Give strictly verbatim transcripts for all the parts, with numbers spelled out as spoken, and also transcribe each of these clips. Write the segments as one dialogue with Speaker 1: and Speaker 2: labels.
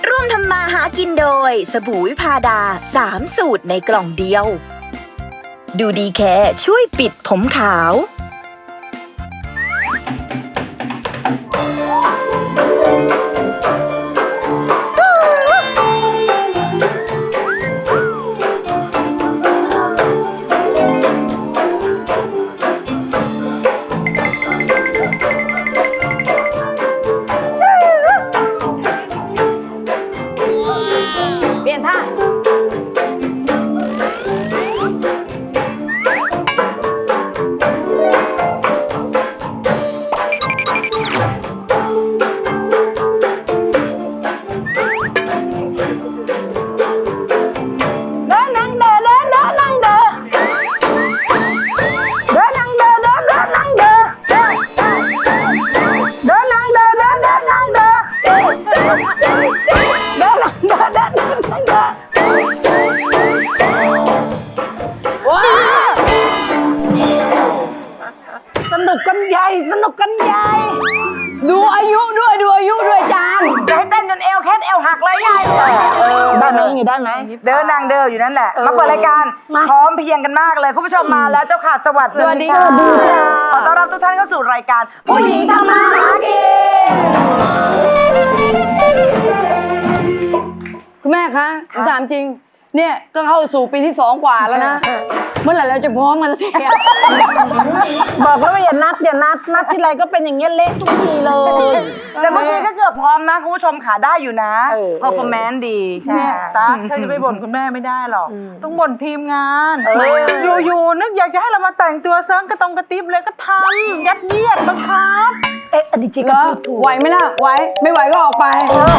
Speaker 1: ร่วมทำมาหากินโดยสบู่วิพาดาสามสูตรในกล่องเดียวดูดีแค่ช่วยปิดผมขาว
Speaker 2: สนุกกันใหญ่สนุกกันใหญ่ดูอายุด้วยดูอายุด้วยจานจะให้เต้นจนเอวแคทเอวหักเลยไงได้ไหมอย่างนี้ได้ไหมเดินนางเดินอยู่นั่นแหละมาเปิดรายการพร้อมเพียงกันมากเลยคุณผู้ชมมาแล้วเจ้าค่ะสวัสดีค่ะขอต้อนรับทุกท่านเข้าสู่รายการผู้หญิงทำมาหากินคุณแม่คะถามจริงเนี่ยก็เข้าสู่ปีที่สองกว่าแล้วนะเมื่อไหร่เราจะพร้อมกันสักทีบอกแล้วว่าอย่านัดอย่านัดนัดที่ไรก็เป็นอย่างเงี้ยเละทุกทีเลยแต่เมื่อกี้ก็เกือบพร้อมนะคุณผู้ชมขาได้อยู่นะ performance ดีใช่ตาเธอจะไปบ่นคุณแม่ไม่ได้หรอกต้องบ่นทีมงานอยู่ๆนึกอยากจะให้เรามาแต่งตัวเซิร์ฟกระตงกระติบเลยก็ทำยัดเยียดบังคับเอ๊ะอดีตจริงก็พูดถูกไหวไหมล่ะไหวไม่ไหวก็ออกไป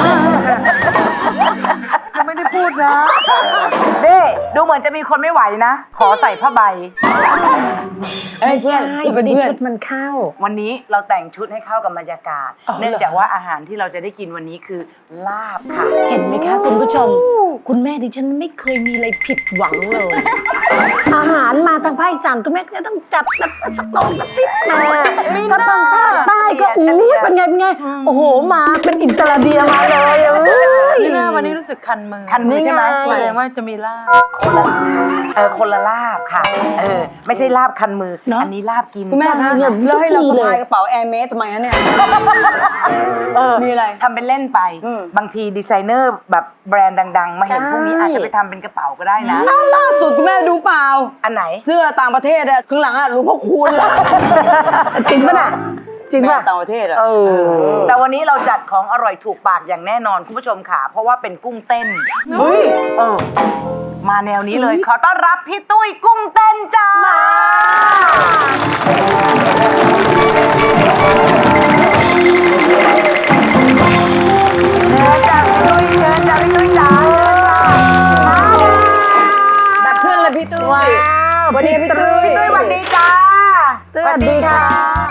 Speaker 2: ไม่ได้พูดนะเด้ดูเหมือนจะมีคนไม่ไหวนะขอใส่ผ้าใบเอ้ยเพื่อนวันนี้ชุดมันเข้าวันนี้เราแต่งชุดให้เข้ากับบรรยากาศเนื่องจากว่าอาหารที่เราจะได้กินวันนี้คือลาบค่ะเห็นไหมคะคุณผู้ชมคุณแม่ดิฉันไม่เคยมีอะไรผิดหวังเลยอาหารมาทางภาคอีสานคุณแม่ก็จะต้องจัดแบบสักตองกระติบมาถ้าทางภาคใต้ก็อู้เป็นไงเป็นไงโอ้โหมาเป็นอินเตอร์เดียมาเลย
Speaker 3: นี่นะวันนี้รู้สึกคันมือ
Speaker 2: คันมือใช่ไหม
Speaker 3: แสดงว่าจะมีลาบ
Speaker 2: เออคนละลาบค่ะเออไม่ใช่ลาบคันมืออันนี้ลาบกิน
Speaker 3: คุณแม่คะแล้วให้เราสะพายกระเป๋าแอร์เมสทำไมฮะเนี่ยมีอะไร
Speaker 2: ทำเป็นเล่นไปบางทีดีไซเนอร์แบบแบรนด์ดังๆมาเห็นพวกนี้อาจจะไปทำเป็นกระเป๋าก็ได้นะ
Speaker 3: ล่าสุดคุณแม่ดูเปล่า
Speaker 2: อันไหน
Speaker 3: เสื้อต่างประเทศอะข้างหลังอะหลวงพ่อคูณ
Speaker 2: จริงป่ะน่ะ
Speaker 3: จริงป่ะต่างประเทศอะ
Speaker 2: แต่วันนี้เราจัดของอร่อยถูกปากอย่างแน่นอนคุณผู้ชมค่ะเพราะว่าเป็นกุ้งเต้นเฮ้ยเออมาแนวนี้เลยขอต้อนรับพี่ตุ้ยกุ้งเต้นจ้าเชิญจ้าพี่ตุ้ยเชิญจ้าพี่ตุ้ยจ้า
Speaker 3: แบบเพื่อนเลยพี่ตุ้ย
Speaker 2: วันนี้พี่ตุ้ยพี่ตุ้ยวันนี้จ้าสวัสดีค่ะ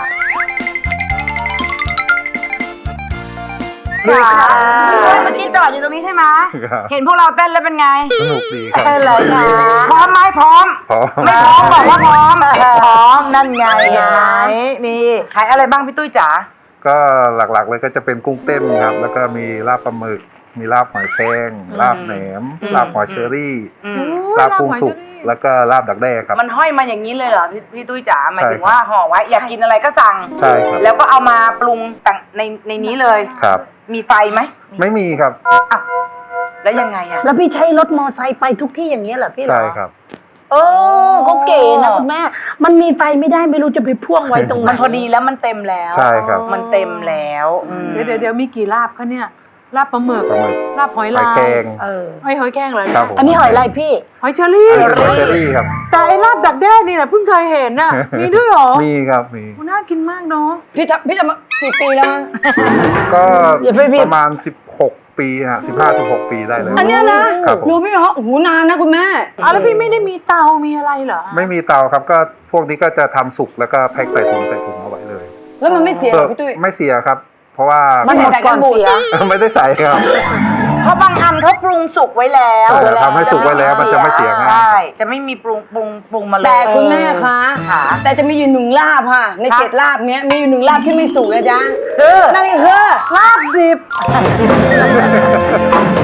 Speaker 2: เมื่อกี้จอดอยู่ตรงนี้ใช่ไหมเห็นพวกเราเต้นแล้วเป็นไง
Speaker 4: สนุกดีครับ
Speaker 2: เต้นเลยค่ะพร้อมไหมพร้อมไม่พร้อมบอกว่าพร้อมพร้อมนั่นไงไงนี่ขายอะไรบ้างพี่ตุ้ยจ๋า
Speaker 4: ก็หลักๆเลยก็จะเป็นกุ้งเต้นครับแล้วก็มีลาบปลาหมึกมีลาบหอยแครงลาบแหนมลาบหอยเชอรี่ลาบกุ้งสุกแล้วก็ลาบดักแด้ครับ
Speaker 2: มันห้อยมาอย่างนี้เลยเหรอพี่พี่ตุ้ยจ๋าหมายถึงว่าห่อไว้อยากกินอะไรก็สั่ง
Speaker 4: ใช่ครับ
Speaker 2: แล้วก็เอามาปรุงต่างในในนี้เลย
Speaker 4: ครับ
Speaker 2: มีไฟไหม
Speaker 4: ไม่มีครับ
Speaker 2: อ้าวแล้วยังไงอะ
Speaker 3: แล้วพี่ใช้รถมอไซค์ไปทุกที่อย่างนี้เหรอพี่เหรอ
Speaker 4: ใช่ครับ
Speaker 3: เออเขาเก๋นะคุณแม่มันมีไฟไม่ได้ไม่รู้จะไปพ่วงไว้ตรงไหน
Speaker 2: มันพอดีแล้วมันเต็มแล้ว
Speaker 4: ใช่ครับ
Speaker 2: มันเต็มแล้ว
Speaker 3: เดี๋ยวเดี๋ยวมีกี่ลาบคะเนี่ยลาบปลาหมึกลาบหอยลาย
Speaker 4: หอยแครง
Speaker 3: เออหอยหอยแครงเหรอ
Speaker 4: อั
Speaker 3: นนี้หอยอะไรพี่หอยเชอรี่
Speaker 4: หอยเชอรี่ครับ
Speaker 3: แต่ไอ้ลาบดักแด้นี่นะเพิ่งเคยเห็นน่ะมีด้วยหรอ
Speaker 4: มีครับมี
Speaker 3: น่ากินมากเนาะพี่ทำพี่ทำมากี่ปีแล้ว
Speaker 4: ก็ประมาณสิบหกปีฮะสิบห้าสิบหกปีได้เลย
Speaker 3: อันนี้นะรู้พี่เหรอโอ้โหนานนะคุณแม่อ๋อแล้วพี่ไม่ได้มีเตามีอะไรเหรอ
Speaker 4: ไม่มีเตาครับก็พวกนี้ก็จะทำสุกแล้วก็แพ็คใส่ถุงใส่ถุงเอาไว้เลย
Speaker 3: แล้วมันไม่เสียเหรอพี่ตุ้ย
Speaker 4: ไม่เสียครับเพราะว่า
Speaker 3: มันหมดก่อนเสีย
Speaker 4: ไม่ได้ใส่ครับ
Speaker 2: เพราะบางอันเขาปรุงสุกไว้แล้ว
Speaker 4: ทำให้สุกไว้แล้วมันจะไม่เสียง่าย
Speaker 2: ใช่จะไม่มีปรุงปรุงปรุงมาเลย
Speaker 3: แต่คุณแม่คะแต่จะมีอยู่หนึ่งลาบค่ะในเจ็ดลาบเนี้ยมีอยู่หนึ่งลาบที่ไม่สุกนะจ๊ะนั่นก็คือลาบดิบ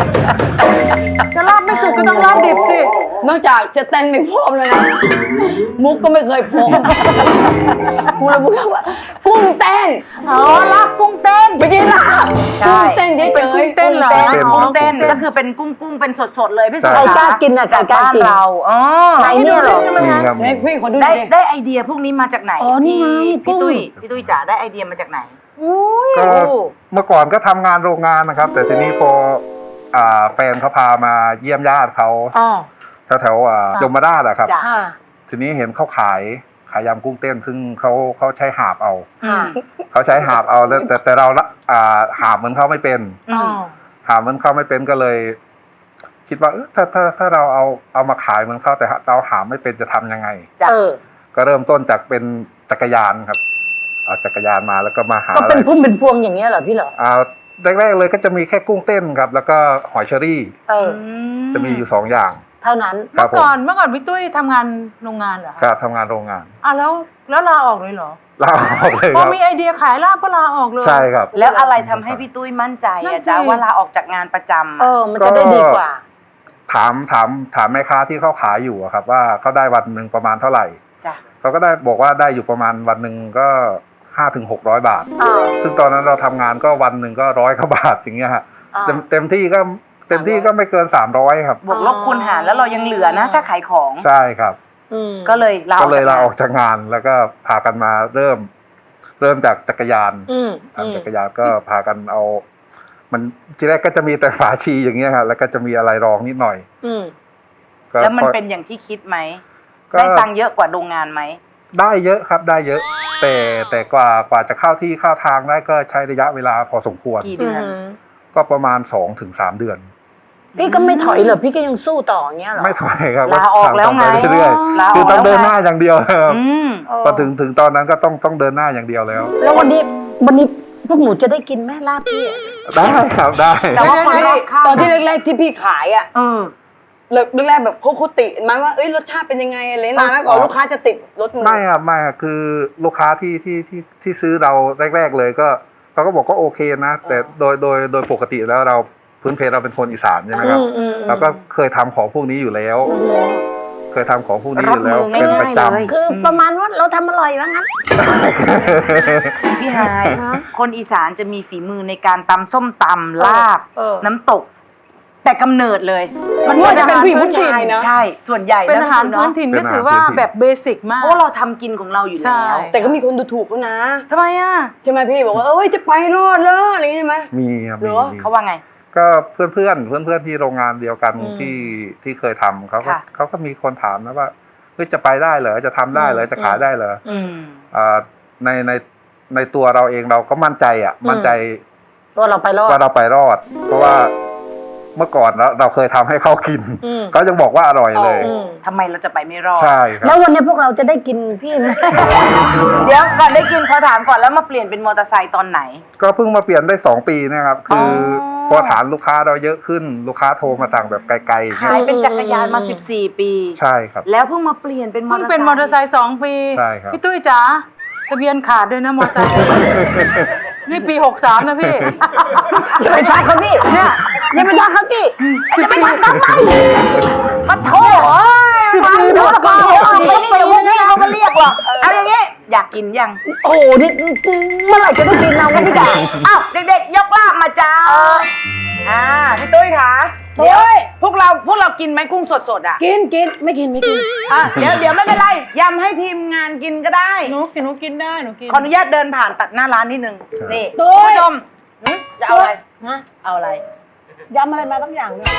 Speaker 3: นอกจากจะเต้นไม่พร้อมเลยนะมุกก็ไม่เคยพร้อมกูเลยพูดว่ากุ้งเต้น
Speaker 2: อ๋อลาบกุ้งเต้น
Speaker 3: ไม่ใช่ลาบ
Speaker 2: ใช่
Speaker 3: กุ้งเต้นเฉยๆ
Speaker 2: เป็นกุ้งเต้นเหรอ
Speaker 4: กุ้งเต้น
Speaker 2: กุ้งเต้นก็คือเป็นกุ้งกุ้งเป็นสดๆเลยพี่สุ
Speaker 4: ใช่
Speaker 3: ใครกล้ากินอ่ะใครกล้ากิน
Speaker 2: บ้เราอ๋อ
Speaker 3: ไหนเนี่ยเหรอ
Speaker 2: ใช่ไหม
Speaker 4: นี่
Speaker 2: คะ
Speaker 4: ครับ
Speaker 3: เนี่ยพี่ขอดูห
Speaker 2: ได้
Speaker 3: น่อยดิ
Speaker 2: ได้ไอเดียพวกนี้มาจากไหน
Speaker 3: อ๋อนี่ไง
Speaker 2: พี่
Speaker 3: กุ้ง
Speaker 2: ตุ้ยพี่ตุ้ยจ๋าได้ไอเดียมาจากไหน
Speaker 4: ก็เมื่อก่อนก็ทำงานโรงงานนะครับ แต่ทีนี้พออ่าแฟนเขาพามาเยี่ยมญาติเขา
Speaker 3: อ๋อ
Speaker 4: แถวแถวๆอ่ายมราชอะครับ
Speaker 2: จ้ะ
Speaker 3: ค่ะ
Speaker 4: ทีนี้เห็นเขาขายขายยำกุ้งเต้น ซึ่งเขาเขาใช้หาบเอา
Speaker 3: ค่ะ
Speaker 4: เขาใช้หาบเอาแต่แต่แต่เราละอ่าหาบเหมือนเขาไม่เป็น
Speaker 2: อืม
Speaker 4: หาบเหมือนเขาไม่เป็นก็เลย คิดว่าเออถ้าถ้าถ้าเราเอาเอามาขายเหมือนเขาแต่เราหาไม่เป็นจะทำยังไง
Speaker 2: จ้ะ
Speaker 3: เออ
Speaker 4: ก็เริ่มต้นจากเป็นจักรยานครับเอาจักรยานมาแล้วก็มาหา
Speaker 3: ก็
Speaker 4: อะไร
Speaker 3: เป็นพุ่มเป็นพวงอย่างเงี้ยเหรอพี่เหรอ
Speaker 4: อ่าแรกๆเลยก็จะมีแค่กุ้งเต้นครับ แล้วก็หอยเชอรี่
Speaker 3: เออ
Speaker 4: จะมีอยู่สองอย่าง
Speaker 3: เท่านั้น
Speaker 4: ครั
Speaker 5: เมื่
Speaker 4: บ
Speaker 5: อ
Speaker 4: ผม
Speaker 5: ก่อนเมื่อก่อนพี่ตุ้ยทำงานโรงงานเหรอ
Speaker 4: ค
Speaker 5: คะ
Speaker 4: รับทำงานโรงงาน
Speaker 5: อ่ะแล้วแล้วลาออกเลยเหรอ
Speaker 4: ลาออกเลย
Speaker 5: พ
Speaker 4: ค
Speaker 5: อ
Speaker 4: รับ
Speaker 5: มีไอเดียขายลาบก็ลาออกเลย
Speaker 4: ใช่ครับ
Speaker 2: แล้วอะไรทำให้พี่ตุ้ยมั่นใจ
Speaker 5: นั่
Speaker 2: อะ
Speaker 5: นสิ
Speaker 2: จ้าว่าลาออกจากงานประจำ
Speaker 3: เอ
Speaker 2: อะ
Speaker 3: อ มันจะได้ดีกว่า
Speaker 4: ถามถามถามแม่ค้าที่เขาขายอยู่อะครับ ว่าเขาได้วันหนึ่งประมาณเท่าไหร่
Speaker 2: จ้ะ
Speaker 4: เขาก็ได้บอกว่าได้อยู่ประมาณวันหนึ่งก็ห้าถึงหกร้อยบาท
Speaker 3: เออ
Speaker 4: ซึ่งตอนนั้นเราทำงานก็วันหนึ่งก็ร้อยกว่าบาทอย่างเงี้ยฮะ
Speaker 3: อ่า
Speaker 4: เต็มเต็มที่ก็เต็มที่ก็ไม่เกินสามร้อยครับ
Speaker 2: บวกลบคูณหารแล้วเรายังเหลือนะ ถ้าขายของ
Speaker 4: ใช่ครับ
Speaker 3: อืม
Speaker 2: ก็เลยลาอ
Speaker 4: ก็
Speaker 2: อก
Speaker 4: เลย
Speaker 2: จ
Speaker 4: ลาออก
Speaker 2: งน
Speaker 4: จากงานแล้วก็พากันมาเริ่ม เริ่มจากจักรยาน
Speaker 3: อืมอืม
Speaker 4: ทำจักรยานก็พากันเอา มันทีแรกก็จะมีแต่ฝาชีอย่างเงี้ยครับแล้วก็จะมีอะไรรองนิดหน่อย
Speaker 3: อืม
Speaker 4: ก็
Speaker 2: แล้วมัน
Speaker 4: ค่อย
Speaker 2: เป็นอย่างที่คิดไหม
Speaker 4: ก็
Speaker 2: ได้ตังค์เยอะกว่าโรงงานไหม
Speaker 4: ได้เยอะครับได้เยอะ แต่แต่กว่ากว่าจะเข้าที่เข้าทางได้ก็ใช้ระยะเวลาพอสมควร
Speaker 2: กี่เดือน
Speaker 4: ก็ประมาณสองถึงสามเดือน
Speaker 3: พี่ก็ไม่ถอยเหรอ พี่ก็ยังสู้ต่ออย่างเงี้ยเหรอ
Speaker 4: ไม่ถอยครับ
Speaker 2: ลาออกแล้วไง
Speaker 4: ทำปเรื่อย
Speaker 2: ลาออก
Speaker 4: ๆคือต้องเดิน
Speaker 2: แล้วไง
Speaker 4: หน้าอย่างเดียวครับ
Speaker 2: อืม
Speaker 4: พอถึงถึงตอนนั้นก็ต้องต้องเดินหน้าอย่างเดียวแล้ว
Speaker 3: แล้ววันนี้วันนี้พวกหนูจะได้กินแม่ลาบพี่อะ
Speaker 4: ได้ครับได้
Speaker 2: แต่ว่าคนรอบข้าง
Speaker 3: ตอนที่แรกๆที่พี่ขายอ่ะ
Speaker 2: เออ
Speaker 3: แรกๆแบบเขาเขาติไหมาว่าเอ้ยรสชาติเป็นยังไงอะไรนานไหมก่อนลูกค้าจะติดรสมือ
Speaker 4: ไม่ครับไม่ครับคือลูกค้าที่ที่ที่ที่ซื้อเราแรก ๆเลยก็เขาก็บอกก็โอเคนะ แต่โดยโดยโดยปกติแล้วเราพื้นเพเราเป็นคนอีสานใช่ไหมครับ
Speaker 3: อืมอืมอืม
Speaker 4: เราก็เคยทำของพวกนี้อยู่แล้ว เคยทำของพวกนี้อยู่แล้ว
Speaker 2: รับมือ
Speaker 4: เป็นประจ
Speaker 2: ง่ายๆเลย
Speaker 3: คือประมาณว่าเราทำอร่อยว่างั้น
Speaker 4: ำ
Speaker 2: พี่ฮายคนอีสานจะมีฝีมือในการตำส้มตำลาบ
Speaker 3: เออ
Speaker 2: น้ำตก แต่กำเนิดเลย
Speaker 3: มันว่าจะเป็นผู้หญิงผู้ชายนะ
Speaker 2: ใช่ ส่วนใหญ่
Speaker 5: เป็นอาหาร
Speaker 2: ะ
Speaker 5: พื้นถิ่น
Speaker 4: เป็
Speaker 5: ก็
Speaker 4: นอาหาร
Speaker 5: ถือว่า
Speaker 4: พื้นถิ่น
Speaker 5: แบบเบสิกมาก
Speaker 2: เพราะเราทำกินของเราอยู่
Speaker 5: ใช่
Speaker 2: แล้ว
Speaker 3: แต่ก็มีคนดูถูกเขานะ
Speaker 2: ทำไมอ่ะ
Speaker 3: ใช่ไหมพี่บอกว่าเอ้ยจะไปรอดเลยอะไรอย่างงี้ใช่ไหม
Speaker 4: มีครับ
Speaker 3: เหร
Speaker 4: มี
Speaker 3: อ
Speaker 4: มี
Speaker 2: เขาว่าไง
Speaker 4: ก็เพื่อนเพื่อนเพื่อนเพื่อนๆที่โรงงานเดียวกัน
Speaker 3: อืม
Speaker 4: ที่ที่เคยทำเขาก็
Speaker 2: ค่ะ
Speaker 4: เขาก็มีคนถามนะว่าเฮ้ยจะไปได้เหรอจะทำได้เหรอจะขายได้เหรอ
Speaker 2: อืม
Speaker 4: อ่าในในในตัวเราเองเราก็มั่นใจอ่ะ มั่นใจ
Speaker 3: ว่าเราไปรอด
Speaker 4: ว่าเราไปรอด เพราะว่าเมื่อก่อนเราเราเคยทำให้เขากิน
Speaker 3: อืม
Speaker 4: เขายังบอกว่าอร่อยเลย
Speaker 3: อืม
Speaker 2: ทำไมเราจะไปไม่รอด
Speaker 4: ใช่ครั
Speaker 3: แล้
Speaker 4: บ
Speaker 3: ววันนี้พวกเราจะได้กินพี่ไหม
Speaker 2: เดี๋ยวก่อนได้กินเขาถามก่อนแล้วมาเปลี่ยนเป็นมอเตอร์ไซค์ตอนไหน
Speaker 4: ก็เพิ่งมาเปลี่ยนได้สองปีนะครับ คืออ
Speaker 2: อ
Speaker 4: พอฐานลูกค้าเราเยอะขึ้น ลูกค้าโทรมาสั่งแบบไกลๆอย่าง
Speaker 2: ขา
Speaker 4: เงี้
Speaker 2: ย
Speaker 4: ย
Speaker 2: เป็นจักรยานมา
Speaker 3: อืม
Speaker 2: สิบสี่ ปี
Speaker 4: ใช่ครับ
Speaker 2: แล้วเพิ่งมาเปลี่ยนเป็นมอ
Speaker 5: เพิ่ง
Speaker 2: เตอร์ไซค์
Speaker 5: เป็นมอเตอร์ไซค์สองปี
Speaker 4: ใช่ครับ
Speaker 5: พี่ตุ้ยจ๋าทะเบียนขาดด้วยนะมอเตอร์ไซค์ นี่ปีหกสามนะพี่
Speaker 3: อย่าไปทักเขาที่เนี่ยอย่าไปทักเขาที่
Speaker 5: สิบปี
Speaker 2: ปะโถเอ้ย
Speaker 5: สิบปี
Speaker 2: รู้
Speaker 5: มาก
Speaker 2: กว่า
Speaker 5: กว่า
Speaker 2: เอาไปนี่เดี๋ยวพวกนี้เขามาเรียกหรอกเอาอย่างงี้ อยากกินยัง
Speaker 3: โอ้โหนี่เมื่อไหร่จะได้กินเราไม่พี่จ๋า
Speaker 2: อ้าวเด็กๆ ยกลาบมาจ้าอ่าพี่ตุ้ยคะเดี๋ยวพวกเราพวกเรากินไหมกุ้งสดๆอ่ะ
Speaker 3: กินกินไม่กินไม่กิน
Speaker 2: อ่ะเดี๋ยวเดี๋ยวไม่เป็นไรยำให้ทีมงานกินก็ได้
Speaker 5: หนูกินหนูกินได้หนูกิน
Speaker 2: ขออนุญาตเดินผ่านตัดหน้าร้านนิดนึงนี่
Speaker 3: ตุ้
Speaker 2: คุณ
Speaker 3: ย
Speaker 2: ผู้ชมหึจะเอาอะไร
Speaker 3: ฮะ
Speaker 2: เอาอะไร
Speaker 3: ยำอะไรมาบางอย่างเลย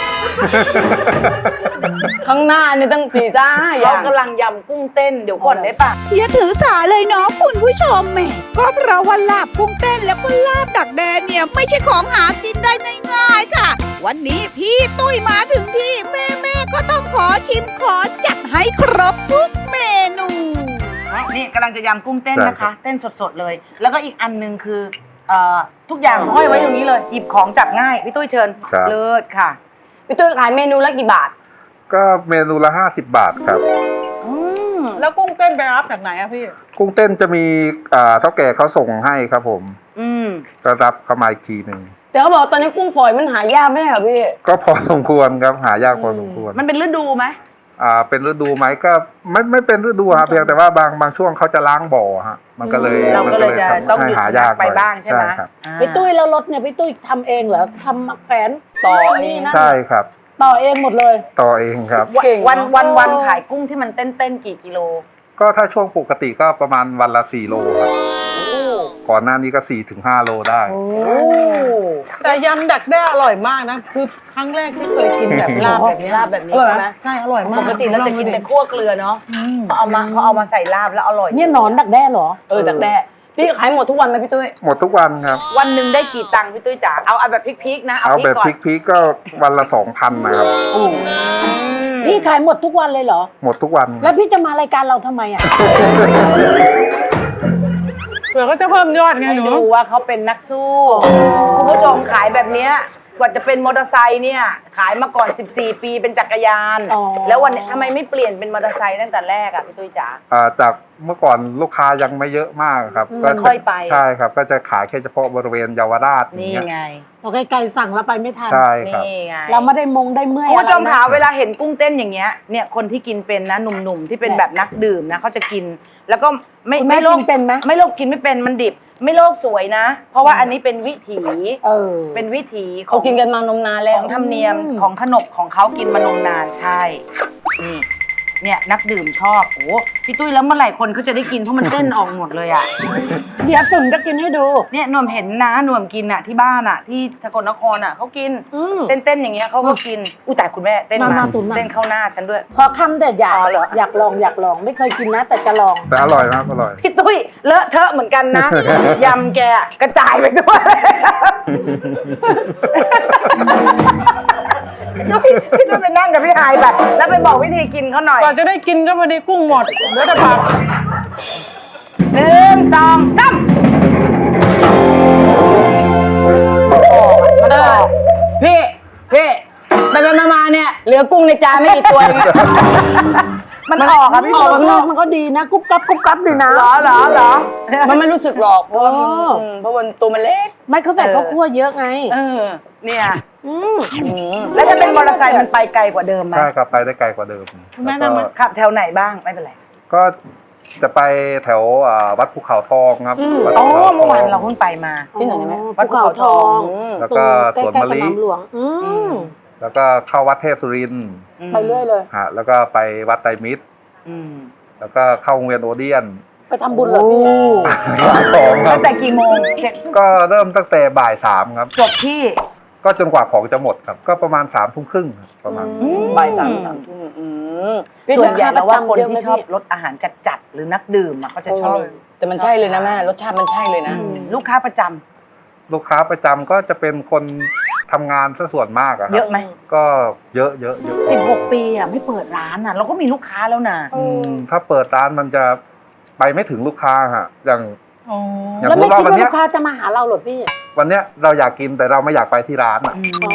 Speaker 3: ข้างหน้านี่ตั้งสี่ซ่าห้าอ
Speaker 2: เรา
Speaker 3: ย่าง
Speaker 2: กำลังยำกุ้งเต้นเดี๋ยวก่อนได้ปะ
Speaker 6: อย่าถือสาเลยเนาะคุณผู้ชมแหม่ก็เพราะว่าลาบกุ้งเต้นแล้วก็ลาบดักแดนเนี่ยไม่ใช่ของหากินได้ง่ายๆค่ะ วันนี้พี่ตุ้ยมาถึงที่แม่แม่ๆก็ต้องขอชิมขอจัดให้ครบทุกเมนู
Speaker 2: นี่กำลังจะยำกุ้งเต้น
Speaker 4: ได้
Speaker 2: นะ
Speaker 4: ครั
Speaker 2: คะ
Speaker 4: บ
Speaker 2: เต้นสดๆเลย แล้วก็อีกอันหนึงคือเอ่อทุกอย่างห้อยไว้ตรงนี้เลยหยิบของจับง่ายพี่ตุ้ยเชิญ
Speaker 4: ครับ
Speaker 2: เลิศค่ะ
Speaker 3: พี่ตุ้ยขายเมนูละกี่บาท
Speaker 4: ก็เมนูละห้าสิบบาทครับ
Speaker 2: อืม
Speaker 5: แล้วกุ้งเต้นไปรับจากไหนอะพี่
Speaker 4: กุ้งเต้นจะมีอ่าเท่าแก่เขาส่งให้ครับผม
Speaker 2: อืม
Speaker 4: ก็รับเข้ามาอีกทีหนึ่ง
Speaker 3: แต่เขาบอกตอนนี้กุ้งฝอยมันหายากไม่ใช่เหรอพี่
Speaker 4: ก็พอสมควรครับหายากพอสมควร
Speaker 2: มันเป็นฤดูไหม
Speaker 4: อ่าเป็นฤดูไหมก็ไม่ไม่เป็นฤดูครับเพียงแต่ว่าบางบางช่วงเขาจะล้างบ่อฮะมันก็เลย
Speaker 2: เรา
Speaker 4: มัน
Speaker 2: ก็เลยจะ
Speaker 4: ทำ
Speaker 2: ต้อง
Speaker 4: ให้
Speaker 2: หยุด
Speaker 4: หายาก
Speaker 2: ไป
Speaker 4: หน่อย
Speaker 2: บ้างใช่ไหม
Speaker 4: ครับ
Speaker 2: อ่า
Speaker 3: พี่ตุ้ยแล้วรถเนี่ยพี่ตุ้ยทำเองเหรอทำแขวนต่อเองนะ
Speaker 4: ใช่ครับ
Speaker 3: ต่อเองหมดเลย
Speaker 4: ต่อเองครับ
Speaker 3: เก่งเนอะ
Speaker 2: วันวันวันขายกุ้งที่มันเต้นเต้นๆกี่กิโล
Speaker 4: ก็ถ้าช่วงปกติก็ประมาณวันละสี่โลครับก่อนหน้านี้ก็สี่ถึงห้าโลได้
Speaker 5: แต่ยำดักแด้อร่อยมากนะ คือครั้งแรกที่เคยกินแบบลาบแบบนี้
Speaker 2: ลาบแบบนี้
Speaker 3: อร่อยไหม
Speaker 2: ใช่ไหม
Speaker 5: ใช่อร่อยมาก
Speaker 2: ปกติเราจะกินแต่คั่วเกลือเนาะพอเอามาพอเอามาใส่ลาบแล้วอร่อย
Speaker 3: เนี่ยหนอนดักแด้เหรอเออดักแด้พี่ขายหมดทุกวันไหมพี่ตุ้ย
Speaker 4: หมดทุกวันครับ
Speaker 2: วันหนึ่งได้กี่ตังค์พี่ตุ้ยจ๋าเอาเอาแบบพริกๆนะ
Speaker 4: เอา
Speaker 2: เอาพริ
Speaker 4: แบ
Speaker 2: ก
Speaker 4: บ
Speaker 2: ก่อน
Speaker 4: พริกๆก็วันละสองพันนะครับ
Speaker 3: พี่ขายหมดทุกวันเลยเหรอ
Speaker 4: หมดทุกวัน
Speaker 3: แล้วพี่จะมารายการเราทำไมอ่ะ
Speaker 5: เผื่อเขาจะเพิ่มยอดไง
Speaker 2: ให้
Speaker 5: หนู
Speaker 2: ดูว่าเขาเป็นนักสู้คุณผู้ชมขายแบบเนี้ยกว่าจะเป็นมอเตอร์ไซค์เนี่ยขายมาก่อนสิบสี่ปีเป็นจักรยาน
Speaker 3: อ๋อ
Speaker 2: แล้ววันนี้ทำไมไม่เปลี่ยนเป็นมอเตอร์ไซค์ตั้งแต่แรกอะพี่ตุ้ยจ๋า
Speaker 4: อ่าจากเมื่อก่อนลูกค้ายังไม่เยอะมากครับ
Speaker 2: อืม
Speaker 4: ก็จะ
Speaker 2: ค่อยไป
Speaker 4: ใช่ครับ ก็จะขายแค่เฉพาะบริเวณเยาวราช
Speaker 2: นี่
Speaker 4: อย่างเงี้ย
Speaker 2: ไง
Speaker 3: พอไกลๆสั่งแล้วไปไม่ทัน
Speaker 4: ใช่ครับ
Speaker 2: นี่ไง
Speaker 3: เราไม่ได้มงได้เมื่อย
Speaker 2: คุณผู้ชม
Speaker 3: อะไรนะ
Speaker 2: คะเวลาเห็นกุ้งเต้นอย่างเงี้ยเนี่ยคนที่กินเป็นนะหนุ่มๆที่เป็นแบบนักดื่มนะเขาจะกิน แล้วก็ไม่
Speaker 3: คุณแม่
Speaker 2: ไม่โล
Speaker 3: กินเป็นไหม
Speaker 2: ไม่โลกกินไม่เป็นมันดิบ ไม่โลกสวยนะ เพราะว่าอันนี้เป็นวิถี
Speaker 3: เออ
Speaker 2: เป็นวิถีข
Speaker 3: เขา
Speaker 2: อง
Speaker 3: กินกันมานมนานแล้ว
Speaker 2: ของธรรมเนียมของขนบของเขากินมานมนานใช่นี่เนี่ยนักดื่มชอบโอ้พี่ตุ้ยแล้วเมื่อไหร่คนเขาจะได้กินเพราะมันเต้นออกหมดเลยอ่ะ
Speaker 3: เดี๋ยวตุ่นจะกินให้ดู
Speaker 2: เนี่ยหนวมเห็นนะหนวมกินอ่ะที่บ้านอ่ะ ที่สกลนครอ่ะเขากิน
Speaker 3: อืม
Speaker 2: เต้นๆอย่างเงี้ยเขาก็กินอุ้ยแต่คุณแม่เต้น
Speaker 3: มา
Speaker 2: มา
Speaker 3: มาตุ๋นมา
Speaker 2: เต้นเข้าหน้าฉันด้วย
Speaker 3: พอคำแต่อยาก
Speaker 2: อ๋อเหรอ
Speaker 3: อยากลองอยากลองไม่เคยกินนะ แต่จะลอง
Speaker 4: แต่อร่อยมากอร่อย
Speaker 2: พี่ตุ้ยเลอะเทอะเหมือนกันนะ ยำแกกระจายไปด้วยพี่ตุ้ยพี่ตุ้ยไปนั่งกับพี่ไฮแบบแล้วไปบอกวิธีกินเขาหน่อย
Speaker 5: กว่าจะได้กินก็พอดีกุ้งหมดเหลือแต่ผัก
Speaker 2: หนึ่งสองสามมันออก
Speaker 3: พี่พี่ไปไปมาๆเนี่ยเหลือกุ้งในจานไม่กี่ตัวเองอะ
Speaker 2: มันออกอะพี่
Speaker 3: อ
Speaker 2: ตุ้
Speaker 3: อกข้างนอย กมันก็ดีนะกุ๊บกับกุ๊บกับดีนะ
Speaker 2: เหรอเหรอเหรอ
Speaker 3: มันไม่รู้สึกหรอกเพราะว่ามันอืมเพราะมันตัวมันเล็กไม่เขาใส่ข้าวคั่วเยอะไง
Speaker 2: เออเนี่ย
Speaker 3: อืม
Speaker 2: แล้วถ้าเป็นมอเตอร์ไซค์มันไปไกลกว่าเดิมไหม
Speaker 4: ใช่ครับไปได้ไกลกว่าเดิม
Speaker 5: แม่
Speaker 4: แล้ว
Speaker 5: นำ
Speaker 4: ก็
Speaker 5: มา
Speaker 2: ขับแถวไหนบ้างไม่เป็นไร
Speaker 4: ก็จะไปแถวอ่าวัดภูเขาทองครับวัด
Speaker 2: อ๋อ
Speaker 4: ภูเขาท
Speaker 2: เมื่อวาน
Speaker 4: อง
Speaker 2: เราเพิ่งไปมา
Speaker 3: ที่ไหนนะแม่
Speaker 2: วัดภูเขาทอง
Speaker 4: แล้วก็
Speaker 3: ตรง
Speaker 4: สวน
Speaker 3: ใกล้
Speaker 4: มะ
Speaker 3: ๆส
Speaker 4: ลิ
Speaker 3: นามหลวงอืม
Speaker 4: แล้วก็เข้าวัดเทพสุรินทร์
Speaker 3: ไปเรื่อยเลย
Speaker 4: ฮะแล้วก็ไปวัดไตรมิตร
Speaker 2: อืม
Speaker 4: แล้วก็เข้าโรงเรียนโอเดียน
Speaker 3: ไปทำบุญเหรอพี่
Speaker 4: สองครั
Speaker 2: ตั้
Speaker 4: บ
Speaker 2: งแต่กี่โมงเสร็จ
Speaker 4: ก็เริ่มตั้งแต่บ่ายสามครับ
Speaker 2: จบที่
Speaker 4: ก็จนกว่าของจะหมดครับ ก็ประมาณสามทุ่มครึ่งครับประมาณ
Speaker 3: บ่ายสามสามทุ่มอืม
Speaker 2: ส่วนใหญ่แล้วว่าคน
Speaker 3: เยอะไหม
Speaker 2: ที่ชอบ
Speaker 3: พี่
Speaker 2: รสอาหารจัดๆหรือนักดื่มอะเขาจะชอบ
Speaker 3: แต่มันใช่เลยนะแม่รสชาติมันใช่เลยนะ
Speaker 2: อืมลูกค้าประจำ
Speaker 4: ลูกค้าประจำก็จะเป็นคนทำงานซะส่วนมากอะค
Speaker 2: เย
Speaker 4: รับ
Speaker 2: อะไหม
Speaker 4: ก็เยอะเยอะเยอะ
Speaker 2: สิบหกปีอะไม่เปิดร้านอะเราก็มีลูกค้าแล้วนะ
Speaker 4: อืมถ้าเปิดร้านมันจะไปไม่ถึงลูกค้าฮะอย่าง
Speaker 5: อ๋อ
Speaker 4: อย่าง
Speaker 3: แล้ว
Speaker 4: สม
Speaker 3: ไม่
Speaker 4: มติว่า
Speaker 3: คิด
Speaker 4: วัน
Speaker 3: ว่า
Speaker 4: เนี้
Speaker 3: ลู
Speaker 4: ย
Speaker 3: กค้าจะมาหาเราเหรอพี่
Speaker 4: วันเนี้ยเราอยากกินแต่เราไม่อยากไปที่ร้านอะ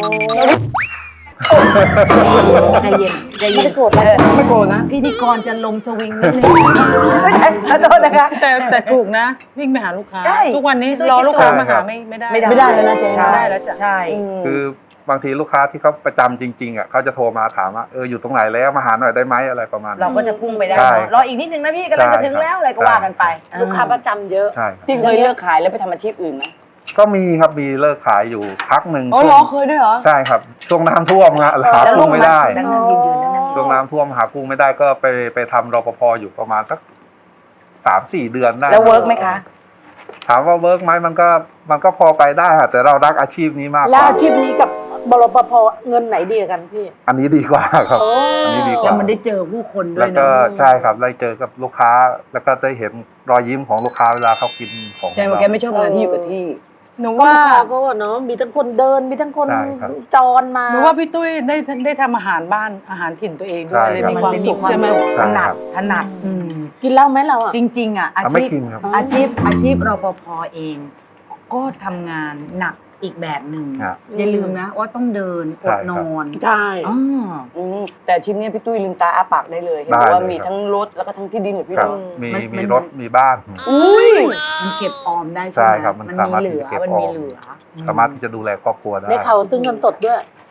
Speaker 2: ใจเย็นใจ
Speaker 3: ไม่
Speaker 2: เย็น
Speaker 3: ได้โกรธอะไรไม่โกรธนะ
Speaker 2: พิธีกรจะลงสวิงนิดนึงไม่ใช่ขอโทษนะคะ
Speaker 5: แต่แต่ถูกนะ วิ่งไปหาลูกค้า
Speaker 2: ใช่
Speaker 5: ทุกวันนี้
Speaker 2: ด้วย
Speaker 5: รอลูกค้า
Speaker 4: ใช่
Speaker 5: มา
Speaker 4: ครั
Speaker 5: หา
Speaker 4: บ
Speaker 5: ไม่ไม่ได้
Speaker 3: ไม่ได้แล้วนะเจ๊
Speaker 2: ใช่
Speaker 5: ไม่ได้แล้วจ้ะ
Speaker 2: ใช่
Speaker 4: คือบางทีลูกค้าที่เขาประจำจริงๆอ่ะเขาจะโทรมาถามว่าเอออยู่ตรงไหนแล้วมาหาหน่อยได้ไหมอะไรประมาณ
Speaker 2: เรา
Speaker 4: นั้น
Speaker 2: ก็จะพุ่งไปได้
Speaker 4: ใช่
Speaker 2: เนอะรออีกนิดนึงนะพี่กำลังจะถึงแล้วอะไรก็ว่ากันไป
Speaker 3: ลูกค้าประจำเยอะ
Speaker 4: ใช่ครับ
Speaker 3: พี่เคยเลิกขายแล้วไปทำอาชีพอื่นไหม
Speaker 4: ก็มีครับมีเลิกขายอยู่พักหนึ่ง
Speaker 3: อ๋อเหรอเคยด้วยเหรอ
Speaker 4: ใช่ครับช่วงน้ำท่วมฮะหา
Speaker 2: แล้ว
Speaker 4: กุ้งไม่ได้
Speaker 2: นั่งนั่งยืนยืนนั่งนั่ง
Speaker 4: ช่วงน้ำท่วมหากุ้งไม่ได้ก็ไปไปทำรปภอยู่ประมาณสักสามสี่เดือนได้
Speaker 2: แล้วเวิร์กไหมคะ
Speaker 4: ถามว่าเวิร์กไหมมันก็มันก็พอไปได้ค่ะแต่เรารักอาชีพนี้มากก
Speaker 3: แล้ว
Speaker 4: ว่า
Speaker 3: อาชีพนี้กับบรปภเงินไหนดีกว่ากันพี่
Speaker 4: อันนี้ดีกว่าครับ
Speaker 3: โอ้
Speaker 4: อันนี้ดีก
Speaker 2: แล้
Speaker 4: ว่า
Speaker 2: วมันได้เจอผู้คนด้ว
Speaker 4: แล้
Speaker 2: ยว
Speaker 4: ก็
Speaker 2: เนาะ
Speaker 4: ใช่ครับได้เจอกับลูกค้า แล้วก็ได้เห็นรอยยิ้มของลูกค้าเวลาเขากินของ
Speaker 3: ใช่ว่าแกไม่ชอบงานที่อยู่กับที่
Speaker 5: หนู
Speaker 3: ก็
Speaker 5: ว่า
Speaker 3: ลูกค้าก็เนาะมีทั้งคนเดินมีทั้งคน
Speaker 4: ใช่ครับ
Speaker 3: จรมา
Speaker 5: หนูว่าพี่ตุ้ยได้ได้ทำอาหารบ้านอาหารถิ่นตัวเองด้วยเลยมีความสุขใช่ไหม
Speaker 4: ใช่
Speaker 2: ถนั
Speaker 4: ค
Speaker 2: ด
Speaker 4: รับ
Speaker 2: ถนัดอืม
Speaker 3: กินเหล้าไหมเราอ่ะ
Speaker 2: จริง ๆ อ่ะ อา
Speaker 4: อ่ะไม่
Speaker 2: ชีพ
Speaker 4: กินครับ
Speaker 2: อาชีพอาชีพรปภเอง ก็ทำงานหนักอีกแบบหนึ่ง
Speaker 4: ฮะ
Speaker 2: อย่าลืมนะว่าต้องเดินอ
Speaker 4: ใช่
Speaker 2: ด
Speaker 4: ครับ
Speaker 2: นอน
Speaker 3: ใช่
Speaker 2: อ๋อ
Speaker 3: อืมแต่อาชีพเนี้ยพี่ตุ้ยลืมตาอ้าปากได้เลยเห็น
Speaker 4: ได้
Speaker 3: ว่า
Speaker 4: เลย
Speaker 3: มี
Speaker 4: ครับ
Speaker 3: ทั้งรถแล้วก็ทั้งที่ดินอยู่พี่
Speaker 4: ครับ
Speaker 3: น้อง
Speaker 4: มี
Speaker 2: มัน
Speaker 4: มี
Speaker 2: มัน
Speaker 4: รถมีบ้าน
Speaker 3: อุ้ย
Speaker 2: มันเก็บออมได้
Speaker 4: ใช่
Speaker 2: ใช่ไหม
Speaker 4: ครับมัน
Speaker 2: มัน
Speaker 4: สา
Speaker 2: มี
Speaker 4: มารถ
Speaker 2: เหลื
Speaker 4: ที่
Speaker 2: อ
Speaker 4: จะเก็บ
Speaker 2: มัน
Speaker 4: ออ
Speaker 2: มี
Speaker 4: ม
Speaker 2: เหลือ
Speaker 4: สามารถที่จะดูแลครอบครัวได้
Speaker 3: ได้เขาซึ่งเงินสดด้วย